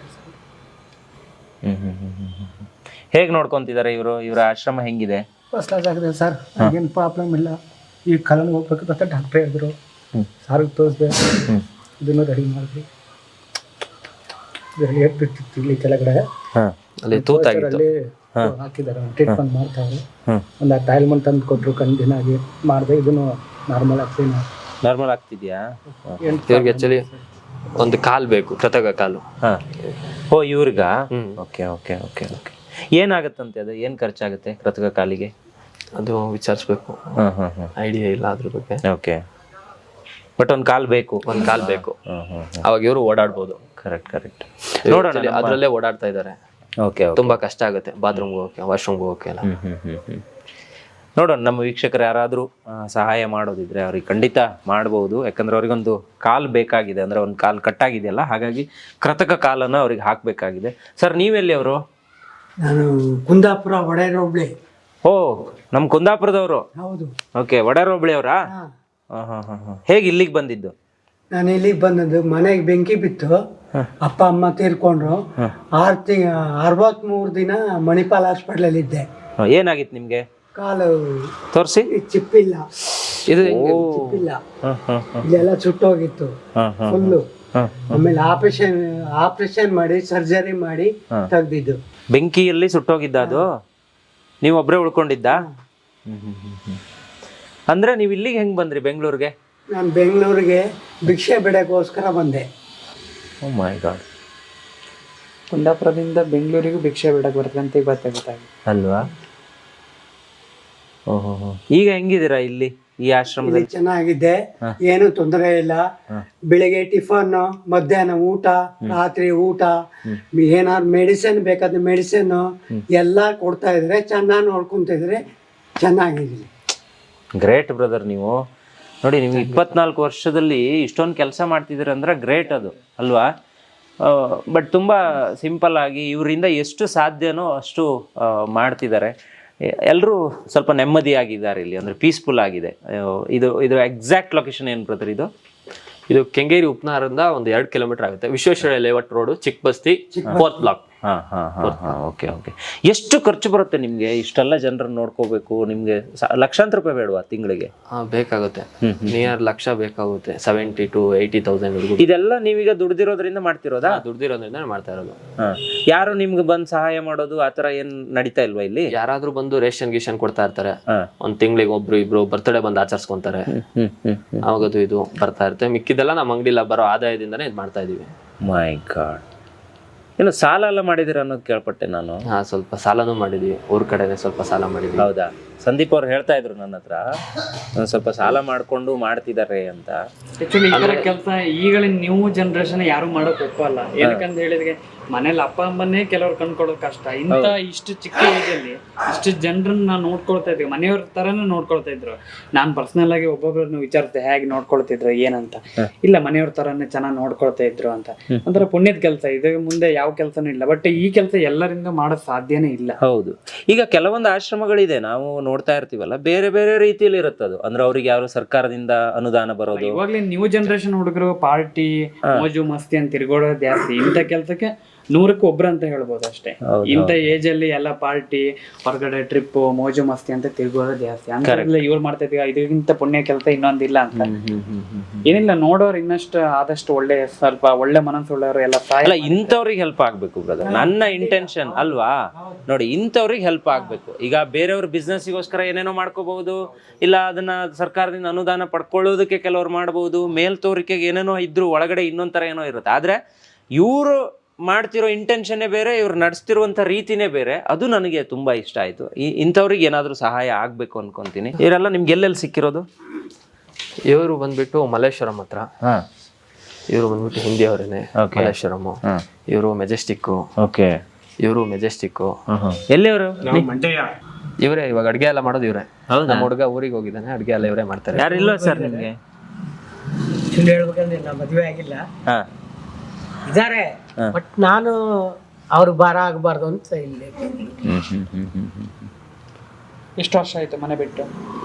Speaker 2: ಹೇಗ್ ನೋಡ್ಕೊಂತಿದ್ದಾರೆ ಇವರು? ಇವರ ಆಶ್ರಮ ಹೆಂಗಿದೆ?
Speaker 4: ಫಸ್ಟ್ ಕ್ಲಾಸ್ ಆಗಿದೆ ಸರ್, ಏನು ಪ್ರಾಬ್ಲಮ್ ಇಲ್ಲ. ಈ ಕಾಲಲ್ಲಿ ಹೋಗ್ಬೇಕು ಅಂತ ಡಾಕ್ಟ್ರ್ ಹೇಳಿದ್ರು, ಸಾರಿಗೆ ತೋರಿಸ್ದೆ, ಇದನ್ನು ರೆಡಿ ಮಾಡಿದ್ವಿ. ಇದರಲ್ಲಿ ಏಟ್ಬಿಟ್ಟಿತ್ತು ಇಲ್ಲಿ ಕೆಳಗಡೆ,
Speaker 1: ಅಲ್ಲಿ ತೂತಾಗಿತ್ತು,
Speaker 4: ಹಾಕಿದ್ದಾರೆ. ಟ್ರೀಟ್ಮೆಂಟ್ ಮಾಡ್ತಾರೆ. ಒಂದು ಟೈಲ್ಮೆಂಟ್ ತಂದು ಕೊಟ್ಟರು, ಕಂದಿನ ಆಗಿ ಮಾಡಿದೆ. ಇದನ್ನು ನಾರ್ಮಲ್ ಆಗ್ತೀನಿ.
Speaker 2: ನಾರ್ಮಲ್ ಆಗ್ತಿದ್ಯಾ?
Speaker 1: ಇವ್ರಿಗೆ ಆಕ್ಚುಲಿ ಒಂದು ಕಾಲ್ ಬೇಕು, ಕೃತಕ ಕಾಲು.
Speaker 2: ಓ ಇವ್ರಿಗ? Okay okay okay okay. ಏನಾಗತ್ತಂತೆ ಅದು? ಏನು ಖರ್ಚಾಗುತ್ತೆ ಕೃತಕ ಕಾಲಿಗೆ?
Speaker 1: ಅದು ವಿಚಾರಿಸ್ಬೇಕು, ಐಡಿಯಾ ಇಲ್ಲ ಅದ್ರ ಬಗ್ಗೆ.
Speaker 2: ಓಕೆ, ಬಟ್ ಒಂದು ಕಾಲ್ ಬೇಕು.
Speaker 1: ಒಂದು ಕಾಲ್ ಬೇಕು, ಅವಾಗ ಇವರು ಓಡಾಡ್ಬೋದು.
Speaker 2: Correct correct.
Speaker 1: ನೋಡೋಣ, ಅದ್ರಲ್ಲೇ ಓಡಾಡ್ತಾ ಇದ್ದಾರೆ.
Speaker 2: ಓಕೆ,
Speaker 1: ತುಂಬಾ ಕಷ್ಟ ಆಗುತ್ತೆ ಬಾತ್ರೂಮ್ಗೆ ಹೋಗಕ್ಕೆ, ವಾಶ್ರೂಮ್ಗೆ ಹೋಗಕ್ಕೆ ಎಲ್ಲ.
Speaker 2: ನೋಡೋಣ, ನಮ್ಮ ವೀಕ್ಷಕರು ಯಾರಾದರೂ ಸಹಾಯ ಮಾಡೋದಿದ್ರೆ ಅವ್ರಿಗೆ ಖಂಡಿತ ಮಾಡ್ಬೋದು. ಯಾಕಂದ್ರೆ ಅವ್ರಿಗೊಂದು ಕಾಲ್ ಬೇಕಾಗಿದೆ, ಅಂದ್ರೆ ಒಂದು ಕಾಲ್ ಕಟ್ಟಾಗಿದೆಯಲ್ಲ, ಹಾಗಾಗಿ ಕೃತಕ ಕಾಲನ್ನು ಅವ್ರಿಗೆ ಹಾಕಬೇಕಾಗಿದೆ. ಸರ್ ನೀವೆಲ್ಲಿ ಅವರು?
Speaker 5: ನಾನು ಕುಂದಾಪುರ ಒಡೆಯರ್ ಹೋಬಳಿ.
Speaker 2: ಓ, ನಮ್ಮ ಕುಂದಾಪುರದವರು?
Speaker 5: ಹೌದು.
Speaker 2: ಓಕೆ, ಒಡೆಯರ್ ಹೋಬಳಿ ಅವರಾ? ಹೇಗೆ ಇಲ್ಲಿಗೆ ಬಂದಿದ್ದು?
Speaker 5: ನಾನು ಇಲ್ಲಿಗೆ ಬಂದದ್ದು, ಮನೆಗೆ ಬೆಂಕಿ ಬಿತ್ತು, ಅಪ್ಪ ಅಮ್ಮ ತೀರ್ಕೊಂಡ್ರು. 63 ದಿನ ಮಣಿಪಾಲ್ ಹಾಸ್ಪಿಟ್ಲಲ್ಲಿ ಇದ್ದೆ.
Speaker 2: ಏನಾಗಿತ್ತು ನಿಮ್ಗೆ?
Speaker 5: ಕಾಲು
Speaker 2: ತೋರಿಸಿ.
Speaker 5: ಚಿಪ್ಪಿಲ್ಲ,
Speaker 1: ಇದು
Speaker 5: ಚಿಪ್ಪಿಲ್ಲ, ಇಲ್ಲೆಲ್ಲ ಸುಟ್ಟೋಗಿತ್ತು ಫುಲ್ಲು. ಆಮೇಲೆ ಆಪರೇಷನ್ ಮಾಡಿ ಸರ್ಜರಿ ಮಾಡಿ ತೆಗ್ದಿದ್ದು.
Speaker 2: ಬೆಂಕಿಯಲ್ಲಿ ಸುಟ್ಟೋಗಿದ್ದ ಅದು? ನೀವು ಒಬ್ಬರೇ ಉಳ್ಕೊಂಡಿದ್ದ? ಅಂದ್ರೆ ನೀವು ಇಲ್ಲಿಗೆ ಹೆಂಗ್ ಬಂದ್ರಿ ಬೆಂಗಳೂರಿಗೆ?
Speaker 5: ನಾನು ಬೆಂಗಳೂರಿಗೆ ಭಿಕ್ಷೆ ಬಿಡೋಕ್ಕೋಸ್ಕರ ಬಂದೆ.
Speaker 2: ಓ ಮೈ ಗಾಡ್.
Speaker 8: ಕುಂದಾಪುರದಿಂದ ಬೆಂಗಳೂರಿಗೂ ಭಿಕ್ಷೆ ಬಿಡಕ್ಕೆ ಬರ್ತದೆ ಅಂತ ಗೊತ್ತಾಗುತ್ತೆ.
Speaker 2: ಅಲ್ವಾ? ಓಹೋ, ಈಗ ಹೆಂಗಿದ್ದೀರಾ ಇಲ್ಲಿ ಈ ಆಶ್ರಮದಲ್ಲಿ?
Speaker 5: ಚೆನ್ನಾಗಿದೆ, ಏನು ತೊಂದರೆ ಇಲ್ಲ. ಬೆಳಿಗ್ಗೆ ಟಿಫನ್, ಮಧ್ಯಾಹ್ನ ಊಟ, ರಾತ್ರಿ ಊಟ, ಏನಾದ್ರು ಮೆಡಿಸಿನ್ ಬೇಕಾದ್ರೆ ಮೆಡಿಸಿನ್ ಎಲ್ಲ ಕೊಡ್ತಾ ಇದ್ರೆ, ಚೆನ್ನಾಗಿ ನೋಡ್ಕೊಂತಿದ್ರೆ ಚೆನ್ನಾಗಿದೆ.
Speaker 2: Great brother. ನೀವು ನೋಡಿ, ನಿಮ್ಗೆ 24 ವರ್ಷದಲ್ಲಿ ಇಷ್ಟೊಂದು ಕೆಲಸ ಮಾಡ್ತಿದ್ದೀರ ಅಂದ್ರೆ ಗ್ರೇಟ್ ಅದು, ಅಲ್ವಾ? ಬಟ್ ತುಂಬ ಸಿಂಪಲ್ ಆಗಿ ಇವರಿಂದ ಎಷ್ಟು ಸಾಧ್ಯನೋ ಅಷ್ಟು ಮಾಡ್ತಿದ್ದಾರೆ. ಎಲ್ಲರೂ ಸ್ವಲ್ಪ ನೆಮ್ಮದಿಯಾಗಿದ್ದಾರೆ ಇಲ್ಲಿ, ಅಂದರೆ ಪೀಸ್ಫುಲ್ ಆಗಿದೆ. ಇದು ಎಕ್ಸಾಕ್ಟ್ ಲೊಕೇಶನ್ ಏನು ಬ್ರದರ್?
Speaker 1: ಇದು ಕೆಂಗೇರಿ ಉಪನಗರದಿಂದ ಒಂದು 2 ಕಿಲೋಮೀಟರ್ ಆಗುತ್ತೆ. Visvesvaraya layout road, Chikkabasti, 4th block.
Speaker 2: Okay. ಎಷ್ಟು ಖರ್ಚು ಬರುತ್ತೆ ನಿಮ್ಗೆ? ಇಷ್ಟೆಲ್ಲ ಜನರನ್ನ ನೋಡ್ಕೋಬೇಕು, ನಿಮ್ಗೆ ಲಕ್ಷಾಂತರ ರೂಪಾಯಿ ಬೇಡವಾ ತಿಂಗಳಿಗೆ?
Speaker 1: ಬೇಕಾಗುತ್ತೆ, ನಿಯರ್ ಲಕ್ಷ ಬೇಕಾಗುತ್ತೆ. 70,000 to 80,000.
Speaker 2: ಇದೆಲ್ಲ ನೀವೀಗ ದುಡ್ದಿರೋದ್ರಿಂದ ಮಾಡ್ತಿರೋದಾ?
Speaker 1: ದುಡ್ದಿರೋದ್ರಿಂದ ಮಾಡ್ತಾ ಇರೋದು.
Speaker 2: ಯಾರು ನಿಮ್ಗೆ ಬಂದು ಸಹಾಯ ಮಾಡೋದು ಆತರ ಏನ್ ನಡೀತಾ ಇಲ್ವಾ ಇಲ್ಲಿ?
Speaker 1: ಯಾರಾದ್ರೂ ಬಂದು ರೇಷನ್ ಗೀಷನ್ ಕೊಡ್ತಾ ಇರ್ತಾರೆ. ಒಂದ್ ತಿಂಗಳಿಗೆ ಒಬ್ರು ಇಬ್ರು ಬರ್ತ್ಡೇ ಬಂದು ಆಚರಿಸ್ಕೊಂತಾರೆ, ಅವಾಗದು ಇದು ಬರ್ತಾ ಇರುತ್ತೆ. ಮಿಕ್ಕಿದೆಲ್ಲ ನಮ್ಮ ಅಂಗಡಿಲ್ಲ ಬರೋ ಆದಾಯದಿಂದಾನೇ ಇದು ಮಾಡ್ತಾ ಇದೀವಿ.
Speaker 2: My god. ಏನು ಸಾಲ ಎಲ್ಲ ಮಾಡಿದಿರ ಅನ್ನೋದು ಕೇಳ್ಪಟ್ಟೆ ನಾನು.
Speaker 1: ಸ್ವಲ್ಪ ಸಾಲನೂ ಮಾಡಿದ್ವಿ, ಊರ್ ಕಡೆನೆ ಸ್ವಲ್ಪ ಸಾಲ ಮಾಡಿದ್ವಿ.
Speaker 2: ಹೌದಾ? ಸಂದೀಪ್ ಅವ್ರು ಹೇಳ್ತಾ ಇದ್ರು ನನ್ನ ಹತ್ರ, ಸ್ವಲ್ಪ ಸಾಲ ಮಾಡ್ಕೊಂಡು ಮಾಡ್ತಿದ್ದಾರೆ ಅಂತ.
Speaker 8: ಆಕ್ಚುಲಿ ಈ ತರ ಕೆಲಸ ಈಗಳಿನ ನ್ಯೂ ಜನರೇಷನ್ ಯಾರು ಮಾಡಕ್ ಒಪ್ಪಲ್ಲ. ಏನಕ್ಕಂತ ಹೇಳಿದ್ರೆ ಮನೇಲಿ ಅಪ್ಪ ಅಮ್ಮನ್ನೇ ಕೆಲವ್ರು ಕಂಡ್ಕೊಳ್ಳೋದು ಕಷ್ಟ. ಇಂಥ ಇಷ್ಟು ಚಿಕ್ಕ ಏಜಲ್ಲಿ ಇಷ್ಟು ಜನರನ್ನ ನೋಡ್ಕೊಳ್ತಾ ಇದ್ವಿ, ಮನೆಯವ್ರ ತರನೇ ನೋಡ್ಕೊಳ್ತಾ ಇದ್ರು. ನಾನ್ ಪರ್ಸನಲ್ ಆಗಿ ಒಬ್ಬೊಬ್ರನ್ನ ವಿಚಾರಿಸಿದೆ, ಹೇಗೆ ನೋಡ್ಕೊಳ್ತಿದ್ರು ಏನಂತ. ಇಲ್ಲ, ಮನೆಯವ್ರ ತರನೇ ಚೆನ್ನಾಗಿ ನೋಡ್ಕೊಳ್ತಾ ಇದ್ರು ಅಂತ. ಒಂಥರ ಪುಣ್ಯದ ಕೆಲಸ ಇದು, ಮುಂದೆ ಯಾವ ಕೆಲಸನೂ ಇಲ್ಲ. ಬಟ್ ಈ ಕೆಲಸ ಎಲ್ಲರಿಂದ ಮಾಡೋದ್ ಸಾಧ್ಯನೇ ಇಲ್ಲ.
Speaker 2: ಹೌದು. ಈಗ ಕೆಲವೊಂದು ಆಶ್ರಮಗಳಿದೆ, ನಾವು ನೋಡ್ತಾ ಇರ್ತೀವಲ್ಲ, ಬೇರೆ ಬೇರೆ ರೀತಿಯಲ್ಲಿ ಇರುತ್ತದು. ಅಂದ್ರೆ ಅವ್ರಿಗೆ ಯಾರು ಸರ್ಕಾರದಿಂದ ಅನುದಾನ ಬರೋದು.
Speaker 8: ಇವಾಗ್ಲೇ ನ್ಯೂ ಜನರೇಷನ್ ಹುಡುಗರು ಪಾರ್ಟಿ ಮೋಜು ಮಸ್ತಿ ಅಂತ ತಿರ್ಗೋಡೋದು ಜಾಸ್ತಿ. ಇಂಥ ಕೆಲ್ಸಕ್ಕೆ 100ಕ್ಕೆ ಒಬ್ರು ಅಂತ ಹೇಳ್ಬೋದು ಅಷ್ಟೇ. ಇಂಥ ಏಜ್ ಅಲ್ಲಿ ಎಲ್ಲ ಪಾರ್ಟಿ, ಹೊರಗಡೆ ಟ್ರಿಪ್, ಮೋಜು ಮಸ್ತಿ ಅಂತ ತಿರ್ಗೋದು ಜಾಸ್ತಿ. ಅಂತ ಇವ್ರು ಮಾಡ್ತಾ ಇದ್ದೀವಿ, ಇದಕ್ಕಿಂತ ಪುಣ್ಯ ಕೆಲಸ ಇನ್ನೊಂದಿಲ್ಲ ಅಂತ. ಏನಿಲ್ಲ, ನೋಡೋರು ಇನ್ನಷ್ಟು ಆದಷ್ಟು ಒಳ್ಳೆ, ಸ್ವಲ್ಪ ಒಳ್ಳೆ ಮನಸ್ಸುಳ್ಳವರು ಎಲ್ಲ
Speaker 2: ಅಲ್ಲ, ಇಂಥವ್ರಿಗೆ ಹೆಲ್ಪ್ ಆಗ್ಬೇಕು ಬ್ರದರ್. ನನ್ನ ಇಂಟೆನ್ಷನ್ ಅಲ್ವಾ? ನೋಡಿ, ಇಂಥವ್ರಿಗೆ ಹೆಲ್ಪ್ ಆಗ್ಬೇಕು. ಈಗ ಬೇರೆಯವ್ರ ಬಿಸ್ನೆಸ್ಗೋಸ್ಕರ ಏನೇನೋ ಮಾಡ್ಕೋಬಹುದು, ಇಲ್ಲ ಅದನ್ನ ಸರ್ಕಾರದಿಂದ ಅನುದಾನ ಪಡ್ಕೊಳ್ಳೋದಕ್ಕೆ ಕೆಲವ್ರು ಮಾಡಬಹುದು, ಮೇಲ್ತೋರಿಕೆಗೆ ಏನೇನೋ ಇದ್ರು ಒಳಗಡೆ ಇನ್ನೊಂಥರ ಏನೋ ಇರುತ್ತೆ. ಆದ್ರೆ ಇವರು ಮಾಡ್ತಿರೋ ಇಂಟೆನ್ಷನ್ನೇ ಬೇರೆ, ಇವ್ರು ನಡೆಸ್ತಿರುವಂಥ ರೀತಿನೇ ಬೇರೆ. ಅದು ನನಗೆ ತುಂಬಾ ಇಷ್ಟ ಆಯ್ತು. ಇಂಥವ್ರಿಗೆ ಏನಾದರೂ ಸಹಾಯ ಆಗ್ಬೇಕು ಅನ್ಕೊಂತೀನಿ. ಇವರೆಲ್ಲ ನಿಮ್ಗೆ ಎಲ್ಲೆಲ್ಲಿ ಸಿಕ್ಕಿರೋದು?
Speaker 1: ಇವರು ಬಂದ್ಬಿಟ್ಟು ಮಲ್ಲೇಶ್ವರಂ ಹತ್ರ. ಇವರು ಬಂದ್ಬಿಟ್ಟು ಹಿಂದಿ ಅವರೇನೆ, ಮಲ್ಲೇಶ್ವರಂ. ಇವರು ಮೆಜೆಸ್ಟಿಕ್.
Speaker 2: ಓಕೆ.
Speaker 1: ಇವರು ಮೆಜೆಸ್ಟಿಕ್.
Speaker 2: ಎಲ್ಲಿಯವರು?
Speaker 1: ಇವರೇ ಇವಾಗ ಅಡ್ಗೆ ಎಲ್ಲ ಮಾಡೋದು ಇವರೇ. ನಮ್ಮ ಹುಡುಗ ಊರಿಗೆ ಹೋಗಿದ್ದಾನೆ, ಅಡ್ಗೆ ಎಲ್ಲ ಇವರೇ ಮಾಡ್ತಾರೆ.
Speaker 2: ಯಾರು ಇಲ್ವಾ ಸರ್ ನಿಮ್ಗೆ?
Speaker 5: ಹೇಳ್ಬೇಕಂದ್ರೆ ನಾ ಮದುವೆ ಆಗಿಲ್ಲ, ಇದಾರೆ. ಬಟ್ ನಾನು ಅವ್ರು ಭಾರ ಆಗಬಾರ್ದು ಅಂತ ಇಲ್ಲಿ.
Speaker 8: ಎಷ್ಟು ವರ್ಷ ಆಯ್ತು ಮನೆ ಬಿಟ್ಟು?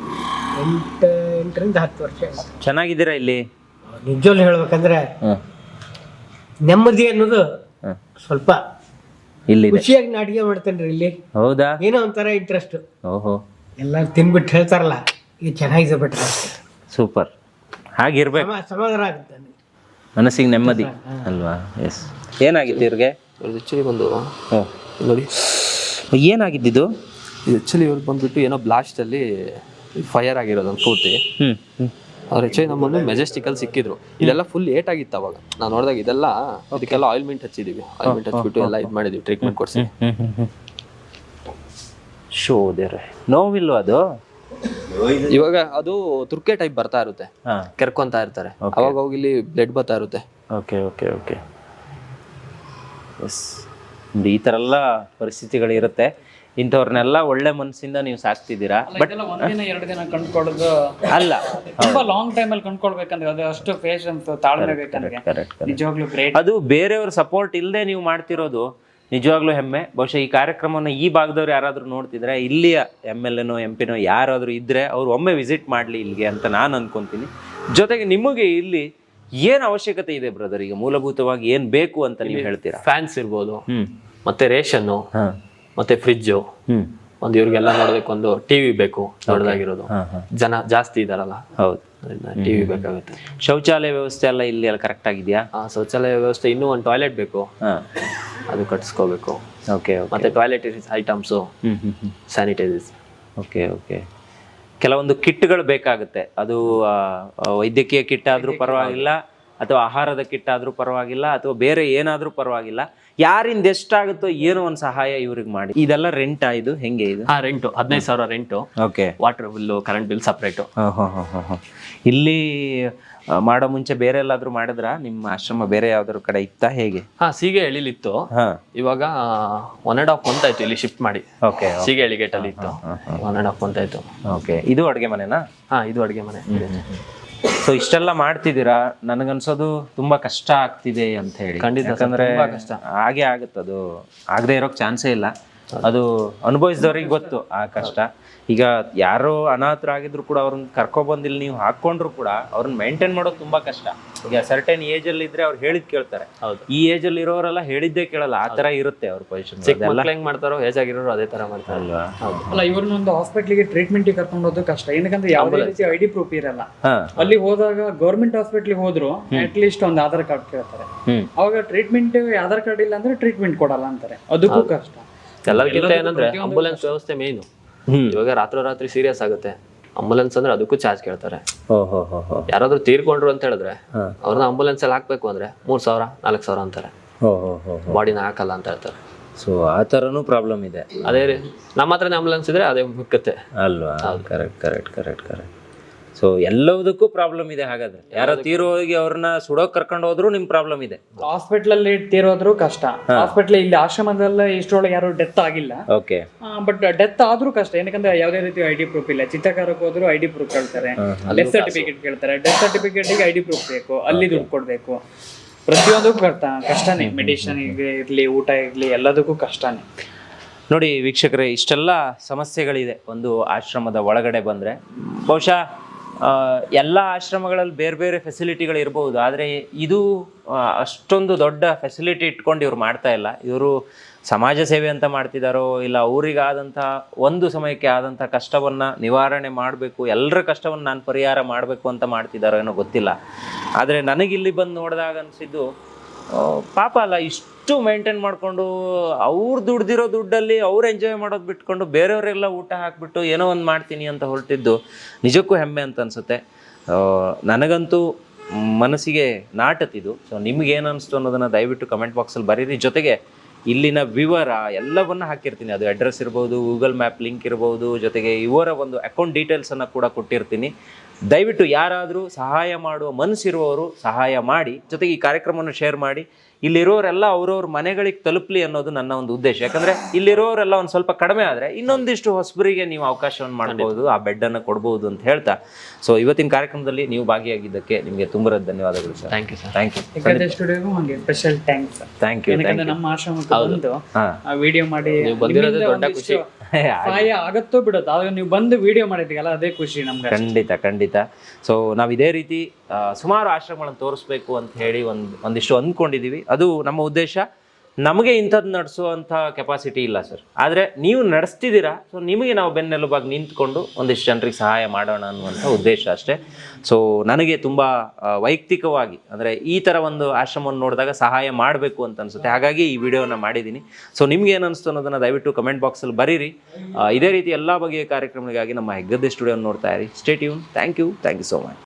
Speaker 5: 8ರಿಂದ 10 ವರ್ಷ.
Speaker 2: ಚೆನ್ನಾಗಿದ್ದೀರಾ ಇಲ್ಲಿ?
Speaker 5: ನಿಜವಲ್ಲಿ ಹೇಳ್ಬೇಕಂದ್ರೆ ನೆಮ್ಮದಿ ಅನ್ನೋದು ಸ್ವಲ್ಪ
Speaker 2: ಇಲ್ಲಿ
Speaker 5: ಖುಷಿಯಾಗಿ ನಾ ಅಡಿಗೆ ಮಾಡ್ತೇನ್ರಿ ಇಲ್ಲಿ.
Speaker 2: ಹೌದಾ?
Speaker 5: ಏನೋ ಒಂಥರ ಇಂಟ್ರೆಸ್ಟ್.
Speaker 2: ಓಹೋ.
Speaker 5: ಎಲ್ಲರೂ ತಿನ್ಬಿಟ್ಟು ಹೇಳ್ತಾರಲ್ಲ, ಇದು ಚೆನ್ನಾಗಿದೆ ಬಿಟ್ರೆ
Speaker 2: ಸೂಪರ್. ಹಾಗಿರ್ಬೇಕು,
Speaker 5: ಸಮಾಧಾನ ಆಗುತ್ತೆ,
Speaker 2: ಮನಸ್ಸಿಗೆ ನೆಮ್ಮದಿ ಅಲ್ವಾ? ಎಸ್. ಏನಾಗಿತ್ತು ಇವ್ರಿಗೆ?
Speaker 1: ಆಕ್ಚುಲಿ ಬಂದು
Speaker 2: ನೋಡಿ, ಏನಾಗಿದ್ದು?
Speaker 1: ಆಕ್ಚುಲಿ ಇವ್ರು ಬಂದ್ಬಿಟ್ಟು ಏನೋ ಬ್ಲಾಸ್ಟ್ ಅಲ್ಲಿ ಫೈರ್ ಆಗಿರೋದು ಒಂದು ಕೂತಿ. ಅವ್ರು ಆಕ್ಚುಲಿ ನಮ್ಮನ್ನು ಮೆಜೆಸ್ಟಿಕಲ್ಲಿ ಸಿಕ್ಕಿದ್ರು. ಇದೆಲ್ಲ ಫುಲ್ ಏಟ್ ಆಗಿತ್ತು ಅವಾಗ. ನಾವು ನೋಡಿದಾಗ ಇದೆಲ್ಲ ಇದಕ್ಕೆಲ್ಲ ಆಯಿಲ್ಮೆಂಟ್ ಹಚ್ಚಿದೀವಿ. ಆಯಿಲ್ಮೆಂಟ್ ಹಚ್ಬಿಟ್ಟು ಎಲ್ಲ ಇದು ಮಾಡಿದೀವಿ, ಟ್ರೀಟ್ಮೆಂಟ್ ಕೊಡ್ಸಿ.
Speaker 2: ಶೋದೇರೆ ನೋವಿಲ್ವ ಅದು?
Speaker 1: ಇವಾಗ ಅದು ತುರ್ಕೆ ಟೈಪ್ ಬರ್ತಾ ಇರುತ್ತೆ, ಕೆರ್ಕೊಂತಾ ಇರ್ತಾರೆ. ಅವಾಗ ಹೋಗಿ ಇಲ್ಲಿ ಬ್ಲಡ್ ಬರ್ತಾ ಇರುತ್ತೆ.
Speaker 2: Okay okay okay. ಎಸ್, ಈ ಥರ ಎಲ್ಲ ಪರಿಸ್ಥಿತಿಗಳಿರುತ್ತೆ. ಇಂಥವ್ರನ್ನೆಲ್ಲ ಒಳ್ಳೆ ಮನಸ್ಸಿಂದ ನೀವು ಸಾಕ್ತಿದ್ದೀರಾ. ಬಟ್
Speaker 8: ಒಂದಿನ 2 ದಿನ ಕಂಡ್ಕೊಳ್ಳೋದು
Speaker 2: ಅಲ್ಲ,
Speaker 8: ತುಂಬಾ ಲಾಂಗ್ ಟೈಮ್ ಅಲ್ಲಿ ಕಂಡ್ಕೊಳ್ಬೇಕಂದ್ರೆ ಅದು ಅಷ್ಟು ಪೇಷನ್ಸ್, ತಾಳ್ಮೆ ಬೇಕಂದ್ರೆ. ನಿಜವಾಗ್ಲೂ ಗ್ರೇಟ್.
Speaker 2: ಅದು ಬೇರೆಯವ್ರ ಸಪೋರ್ಟ್ ಇಲ್ಲದೆ ನೀವು ಮಾಡ್ತಿರೋದು ನಿಜವಾಗ್ಲೂ ಹೆಮ್ಮೆ. ಬಹುಶಃ ಈ ಕಾರ್ಯಕ್ರಮವನ್ನು ಈ ಭಾಗದವ್ರು ಯಾರಾದರೂ ನೋಡ್ತಿದ್ರೆ, ಇಲ್ಲಿಯ MLA ನೋ MP ನೋ ಯಾರಾದರೂ ಇದ್ದರೆ ಅವ್ರು ಒಮ್ಮೆ ವಿಸಿಟ್ ಮಾಡಲಿ ಇಲ್ಲಿಗೆ ಅಂತ ನಾನು ಅನ್ಕೊಂತೀನಿ. ಜೊತೆಗೆ ನಿಮಗೆ ಇಲ್ಲಿ ಏನು ಅವಶ್ಯಕತೆ ಇದೆ ಬ್ರದರ್? ಈಗ ಮೂಲಭೂತವಾಗಿ ಏನು ಬೇಕು ಅಂತ ನೀವು ಹೇಳ್ತೀರಾ?
Speaker 1: ಫ್ಯಾನ್ಸ್ ಇರ್ಬೋದು, ಮತ್ತೆ ರೇಷನ್ನು, ಮತ್ತೆ ಫ್ರಿಜ್ಜು. ಒಂದು ಇವ್ರಿಗೆಲ್ಲ ನೋಡೋದಕ್ಕೆ ಒಂದು ಟಿವಿ ಬೇಕು, ದೊಡ್ಡದಾಗಿರೋದು. ಜನ ಜಾಸ್ತಿ ಇದಾರಲ್ಲ,
Speaker 2: ಹೌದು,
Speaker 1: ಟಿವಿ ಬೇಕಾಗುತ್ತೆ.
Speaker 2: ಶೌಚಾಲಯ ವ್ಯವಸ್ಥೆ ಎಲ್ಲ ಇಲ್ಲಿ ಎಲ್ಲ ಕರೆಕ್ಟ್ ಆಗಿದೆಯಾ?
Speaker 1: ಶೌಚಾಲಯ ವ್ಯವಸ್ಥೆ, ಇನ್ನೂ ಒಂದು ಟಾಯ್ಲೆಟ್ ಬೇಕು, ಅದು ಕಟ್ಟಿಸ್ಕೋಬೇಕು.
Speaker 2: ಓಕೆ.
Speaker 1: ಮತ್ತೆ toilet items, sanitisers.
Speaker 2: Okay okay. ಕೆಲವೊಂದು ಕಿಟ್ಗಳು ಬೇಕಾಗುತ್ತೆ. ಅದು ವೈದ್ಯಕೀಯ ಕಿಟ್ ಆದರೂ ಪರವಾಗಿಲ್ಲ, ಅಥವಾ ಆಹಾರದ ಕಿಟ್ ಆದರೂ ಪರವಾಗಿಲ್ಲ, ಅಥವಾ ಬೇರೆ ಏನಾದರೂ ಪರವಾಗಿಲ್ಲ. ಯಾರಿಂದ ಎಷ್ಟಾಗುತ್ತೋ ಏನೋ ಒಂದು ಸಹಾಯ ಇವ್ರಿಗೆ ಮಾಡಿ. ಇದೆಲ್ಲ ರೆಂಟಾ ಇದು ಹೆಂಗೆ ಇದು?
Speaker 1: Rent 15,000 rent,
Speaker 2: okay.
Speaker 1: Water bill, current bill separate.
Speaker 2: ಇಲ್ಲಿ ಮಾಡೋ ಮುಂಚೆ ಬೇರೆ ಎಲ್ಲಾದ್ರೂ ಮಾಡಿದ್ರಾ? ನಿಮ್ಮ ಆಶ್ರಮ ಬೇರೆ ಯಾವ್ದಾದ್ರು ಕಡೆ ಇತ್ತಾ ಹೇಗೆ?
Speaker 1: ಸೀಗೆ ಎಳಿಲಿತ್ತು. ಇವಾಗ 1.5 month ಆಯ್ತು ಇಲ್ಲಿ ಶಿಫ್ಟ್ ಮಾಡಿ.
Speaker 2: ಓಕೆ.
Speaker 1: ಸೀಗೆ ಎಳಿ ಗೇಟ್ ಅಲ್ಲಿ ಇತ್ತು. 1.5 month ಆಯ್ತು.
Speaker 2: ಓಕೆ. ಇದು ಅಡುಗೆ ಮನೆನಾ?
Speaker 1: ಇದು ಅಡುಗೆ ಮನೆ.
Speaker 2: ಸೊ ಇಷ್ಟೆಲ್ಲ ಮಾಡ್ತಿದ್ದೀರಾ, ನನಗನ್ಸೋದು ತುಂಬಾ ಕಷ್ಟ ಆಗ್ತಿದೆ ಅಂತ ಹೇಳಿ.
Speaker 1: ಖಂಡಿತ,
Speaker 2: ಯಾಕಂದ್ರೆ
Speaker 1: ತುಂಬಾ ಕಷ್ಟ.
Speaker 2: ಹಾಗೆ ಆಗುತ್ತೆ, ಅದು ಆಗದೆ ಇರೋಕ್ ಚಾನ್ಸೇ ಇಲ್ಲ. ಅದು ಅನುಭವಿಸಿದವ್ರಿಗೆ ಗೊತ್ತು ಆ ಕಷ್ಟ. ಈಗ ಯಾರೋ ಅನಾಥರಾಗಿದ್ರು ಕೂಡ ಅವ್ರನ್ನ ಕರ್ಕೊಬಂದು ಇಲ್ಲಿ ನೀವು ಹಾಕೊಂಡ್ರು ಕೂಡ ಅವ್ರನ್ನ ಮೇಂಟೈನ್ ಮಾಡೋದು ತುಂಬಾ ಕಷ್ಟ. ಈಗ ಸರ್ಟನ್ ಏಜ್ ಅಲ್ಲಿ ಇದ್ರೆ ಅವ್ರು ಹೇಳಿದ್ ಕೇಳ್ತಾರೆ. ಈ ಏಜ್ ಅಲ್ಲಿ ಇರೋರೆಲ್ಲ ಹೇಳಿದ್ದೇ ಕೇಳಲ್ಲ, ಆ ತರ ಇರುತ್ತೆ ಅವ್ರ ಪೊಸಿಷನ್.
Speaker 1: ಹೆಂಗ್ ಮಾಡ್ತಾರೋ ಏಜ್ ಆಗಿರೋರು ಅದೇ ತರ ಮಾಡ್ತಾರೆ ಅಲ್ವಾ?
Speaker 8: ಅಲ್ಲ, ಇವ್ರನ್ನೊಂದು ಹಾಸ್ಪಿಟ್ಲಿಗೆ ಟ್ರೀಟ್ಮೆಂಟ್ ಕರ್ಕೊಂಡು ಹೋಗೋದು ಕಷ್ಟ. ಏನಕ್ಕಂದ್ರೆ ಯಾವುದೇ ರೀತಿ ID ಪ್ರೂಫ್ ಇರಲ್ಲ. ಅಲ್ಲಿ ಹೋದಾಗ ಗೌರ್ಮೆಂಟ್ ಹಾಸ್ಪಿಟ್ಲಿಗೆ ಹೋದ್ರು ಅಟ್ ಲೀಸ್ಟ್ ಒಂದು ಆಧಾರ್ ಕಾರ್ಡ್ ಕೇಳ್ತಾರೆ. ಅವಾಗ ಟ್ರೀಟ್ಮೆಂಟ್ ಆಧಾರ್ ಕಾರ್ಡ್ ಇಲ್ಲ ಅಂದ್ರೆ ಟ್ರೀಟ್ಮೆಂಟ್ ಕೊಡಲ್ಲ ಅಂತಾರೆ. ಅದಕ್ಕೂ ಕಷ್ಟ.
Speaker 1: ಎಲ್ಲರಿಗಿಂತ ಏನಂದ್ರೆ ಆಂಬುಲೆನ್ಸ್ ವ್ಯವಸ್ಥೆ ಮೇನು. ಇವಾಗ ರಾತ್ರಿ ಸೀರಿಯಸ್ ಆಗುತ್ತೆ, ಆಂಬುಲೆನ್ಸ್ ಅಂದ್ರೆ ಅದಕ್ಕೂ ಚಾರ್ಜ್ ಕೇಳ್ತಾರೆ. ಯಾರಾದ್ರೂ ತೀರ್ಕೊಂಡ್ರು ಅಂತ ಹೇಳಿದ್ರೆ ಅವ್ರನ್ನ ಆಂಬುಲೆನ್ಸ್ ಅಲ್ಲಿ ಹಾಕ್ಬೇಕು ಅಂದ್ರೆ 3,000 4,000 ಅಂತಾರೆ. ಬಾಡಿನ ಹಾಕಲ್ಲ ಅಂತ ಹೇಳ್ತಾರೆ.
Speaker 2: ಸೊ ಆ ಥರನೂ ಪ್ರಾಬ್ಲಮ್ ಇದೆ.
Speaker 1: ಅದೇ ನಮ್ಮ ಹತ್ರನೇ ಆಂಬುಲೆನ್ಸ್ ಇದ್ರೆ ಅದೇ ಮುಕ್ಕತ್ತೆ
Speaker 2: ಅಲ್ವಾ? ಕರೆಕ್ಟ್. ಸೊ ಎಲ್ಲದಕ್ಕೂ ಪ್ರಾಬ್ಲಮ್ ಇದೆ. ಹಾಗಾದ್ರೆ ಯಾರೋ ತೀರೋಗಿ ಅವ್ರನ್ನ ಸುಡೋಕ್ ಕರ್ಕೊಂಡು ಹೋದ್ರು ನಿಮ್ ಪ್ರಾಬ್ಲಮ್ ಇದೆ.
Speaker 8: ಹಾಸ್ಪಿಟಲ್ ಅಲ್ಲಿ ತೀರೋದ್ರು ಕಷ್ಟ. ಹಾಸ್ಪಿಟಲ್ ಇಲ್ಲಿ ಆಶ್ರಮದಲ್ಲ ಇಷ್ಟರೊಳಗೆ ಯಾರು ಡೆತ್ ಆಗಿಲ್ಲ.
Speaker 2: ಓಕೆ.
Speaker 8: ಬಟ್ ಡೆತ್ ಆದ್ರೂ ಕಷ್ಟ. ಏನಕ್ಕಂದ್ರೆ ಯಾವುದೇ ರೀತಿ ID ಪ್ರೂಫ್ ಇಲ್ಲ. ಚಿತ್ರಕಾರಕ್ಕೆ ಹೋದ್ರು ID ಪ್ರೂಫ್ ಕೇಳ್ತಾರೆ, ಡೆತ್ ಸರ್ಟಿಫಿಕೇಟ್ ಕೇಳ್ತಾರೆ. ಡೆತ್ ಸರ್ಟಿಫಿಕೇಟ್ ID ಪ್ರೂಫ್ ಬೇಕು, ಅಲ್ಲಿ ದುಡ್ಡು ಕೊಡ್ಬೇಕು. ಪ್ರತಿಯೊಂದಕ್ಕೂ ಕಷ್ಟನೇ. ಮೆಡಿಸಿನ್ ಇರ್ಲಿ, ಊಟ ಇರ್ಲಿ, ಎಲ್ಲದಕ್ಕೂ ಕಷ್ಟನೇ.
Speaker 2: ನೋಡಿ ವೀಕ್ಷಕರೇ, ಇಷ್ಟೆಲ್ಲ ಸಮಸ್ಯೆಗಳಿದೆ ಒಂದು ಆಶ್ರಮದ ಒಳಗಡೆ ಬಂದರೆ. ಬಹುಶಃ ಎಲ್ಲ ಆಶ್ರಮಗಳಲ್ಲಿ ಬೇರೆ ಬೇರೆ ಫೆಸಿಲಿಟಿಗಳು ಇರ್ಬೋದು, ಆದರೆ ಇದು ಅಷ್ಟೊಂದು ದೊಡ್ಡ ಫೆಸಿಲಿಟಿ ಇಟ್ಕೊಂಡು ಇವ್ರು ಮಾಡ್ತಾ ಇಲ್ಲ. ಇವರು ಸಮಾಜ ಸೇವೆ ಅಂತ ಮಾಡ್ತಿದ್ದಾರೋ ಇಲ್ಲ ಅವರಿಗಾದಂಥ ಒಂದು ಸಮಯಕ್ಕೆ ಆದಂಥ ಕಷ್ಟವನ್ನು ನಿವಾರಣೆ ಮಾಡಬೇಕು, ಎಲ್ಲರ ಕಷ್ಟವನ್ನು ನಾನು ಪರಿಹಾರ ಮಾಡಬೇಕು ಅಂತ ಮಾಡ್ತಿದ್ದಾರೋ ಏನೋ ಗೊತ್ತಿಲ್ಲ. ಆದರೆ ನನಗಿಲ್ಲಿ ಬಂದು ನೋಡಿದಾಗ ಅನಿಸಿದ್ದು, ಪಾಪ ಅಲ್ಲ, ಇಷ್ಟು ಮೇಂಟೈನ್ ಮಾಡಿಕೊಂಡು ಅವ್ರು ದುಡ್ದಿರೋ ದುಡ್ಡಲ್ಲಿ ಅವ್ರು ಎಂಜಾಯ್ ಮಾಡೋದು ಬಿಟ್ಕೊಂಡು ಬೇರೆಯವರೆಲ್ಲ ಊಟ ಹಾಕಿಬಿಟ್ಟು ಏನೋ ಒಂದು ಮಾಡ್ತೀನಿ ಅಂತ ಹೊರಟಿದ್ದು ನಿಜಕ್ಕೂ ಹೆಮ್ಮೆ ಅಂತ ಅನಿಸುತ್ತೆ. ನನಗಂತೂ ಮನಸ್ಸಿಗೆ ನಾಟತಿದು. ಸೊ ನಿಮ್ಗೇನು ಅನಿಸ್ತು ಅನ್ನೋದನ್ನು ದಯವಿಟ್ಟು ಕಮೆಂಟ್ ಬಾಕ್ಸಲ್ಲಿ ಬರೀರಿ. ಜೊತೆಗೆ ಇಲ್ಲಿನ ವಿವರ ಎಲ್ಲವನ್ನು ಹಾಕಿರ್ತೀನಿ. ಅದು ಅಡ್ರೆಸ್ ಇರ್ಬೋದು, ಗೂಗಲ್ ಮ್ಯಾಪ್ ಲಿಂಕ್ ಇರ್ಬೋದು, ಜೊತೆಗೆ ಇವರ ಒಂದು ಅಕೌಂಟ್ ಡೀಟೇಲ್ಸನ್ನು ಕೂಡ ಕೊಟ್ಟಿರ್ತೀನಿ. ದಯವಿಟ್ಟು ಯಾರಾದರೂ ಸಹಾಯ ಮಾಡುವ ಮನಸ್ಸಿರುವವರು ಸಹಾಯ ಮಾಡಿ, ಜೊತೆಗೆ ಈ ಕಾರ್ಯಕ್ರಮವನ್ನು ಶೇರ್ ಮಾಡಿ. ಇಲ್ಲಿರೋರೆಲ್ಲ ಅವ್ರವ್ರ ಮನೆಗಳಿಗೆ ತಲುಪಲಿ ಅನ್ನೋದು ನನ್ನ ಒಂದು ಉದ್ದೇಶ. ಯಾಕಂದರೆ ಇಲ್ಲಿರೋರೆಲ್ಲ ಒಂದು ಸ್ವಲ್ಪ ಕಡಿಮೆ ಆದರೆ ಇನ್ನೊಂದಿಷ್ಟು ಹೊಸಬರಿಗೆ ನೀವು ಅವಕಾಶವನ್ನು ಮಾಡ್ಬೋದು, ಆ ಬೆಡ್ಡನ್ನು ಕೊಡ್ಬೋದು ಅಂತ ಹೇಳ್ತಾ, ಸೊ ಇವತ್ತಿನ ಕಾರ್ಯಕ್ರಮದಲ್ಲಿ ನೀವು ಭಾಗಿಯಾಗಿದ್ದಕ್ಕೆ ನಿಮಗೆ ತುಂಬ ಧನ್ಯವಾದಗಳು sir.
Speaker 1: Thank you sir.
Speaker 2: Thank you.
Speaker 8: ಸ್ಟುಡಿಯೋಗೂ ಹಾಗೆ ಸ್ಪೆಷಲ್ ಥ್ಯಾಂಕ್ಸ್.
Speaker 2: Thank you.
Speaker 8: ಯಾಕಂದ್ರೆ ನಮ್ಮ ಆಶ್ರಮಕ್ಕೆ ಬಂದು ವಿಡಿಯೋ ಮಾಡಿ
Speaker 1: ಬಂದಿರೋದೇ ದೊಡ್ಡ ಖುಷಿ.
Speaker 8: ಸಹಾಯ ಆಗತ್ತೋ ಬಿಡುತ್ತೋ, ಆಗ ನೀವು ಬಂದು ವಿಡಿಯೋ ಮಾಡಿದ್ದೀಗಲ್ಲ ಅದೇ ಖುಷಿ ನಮ್ಗೆ.
Speaker 2: ಖಂಡಿತ. ಸೊ ನಾವು ಇದೇ ರೀತಿ ಸುಮಾರು ಆಶ್ರಮಗಳನ್ನು ತೋರಿಸ್ಬೇಕು ಅಂತ ಹೇಳಿ ಒಂದಿಷ್ಟು ಅಂದ್ಕೊಂಡಿದ್ದೀವಿ. ಅದು ನಮ್ಮ ಉದ್ದೇಶ. ನಮಗೆ ಇಂಥದ್ದು ನಡೆಸುವಂಥ ಕೆಪಾಸಿಟಿ ಇಲ್ಲ ಸರ್, ಆದರೆ ನೀವು ನಡೆಸ್ತಿದ್ದೀರಾ. ಸೊ ನಿಮಗೆ ನಾವು ಬೆನ್ನೆಲುಬಾಗಿ ನಿಂತ್ಕೊಂಡು ಒಂದಿಷ್ಟು ಜನರಿಗೆ ಸಹಾಯ ಮಾಡೋಣ ಅನ್ನುವಂಥ ಉದ್ದೇಶ ಅಷ್ಟೇ. ಸೊ ನನಗೆ ತುಂಬ ವೈಯಕ್ತಿಕವಾಗಿ ಅಂದರೆ ಈ ಥರ ಒಂದು ಆಶ್ರಮವನ್ನು ನೋಡಿದಾಗ ಸಹಾಯ ಮಾಡಬೇಕು ಅಂತ ಅನಿಸುತ್ತೆ. ಹಾಗಾಗಿ ಈ ವಿಡಿಯೋನ ಮಾಡಿದ್ದೀನಿ. ಸೊ ನಿಮ್ಗೆ ಏನು ಅನಿಸ್ತು ಅನ್ನೋದನ್ನು ದಯವಿಟ್ಟು ಕಮೆಂಟ್ ಬಾಕ್ಸಲ್ಲಿ ಬರೀರಿ. ಇದೇ ರೀತಿ ಎಲ್ಲ ಬಗೆಯ ಕಾರ್ಯಕ್ರಮಗಳಿಗಾಗಿ ನಮ್ಮ ಹೆಗ್ಗದ್ದೆ ಸ್ಟುಡಿಯೋನ ನೋಡ್ತಾ ಇರಿ. Stay tune. Thank you so much.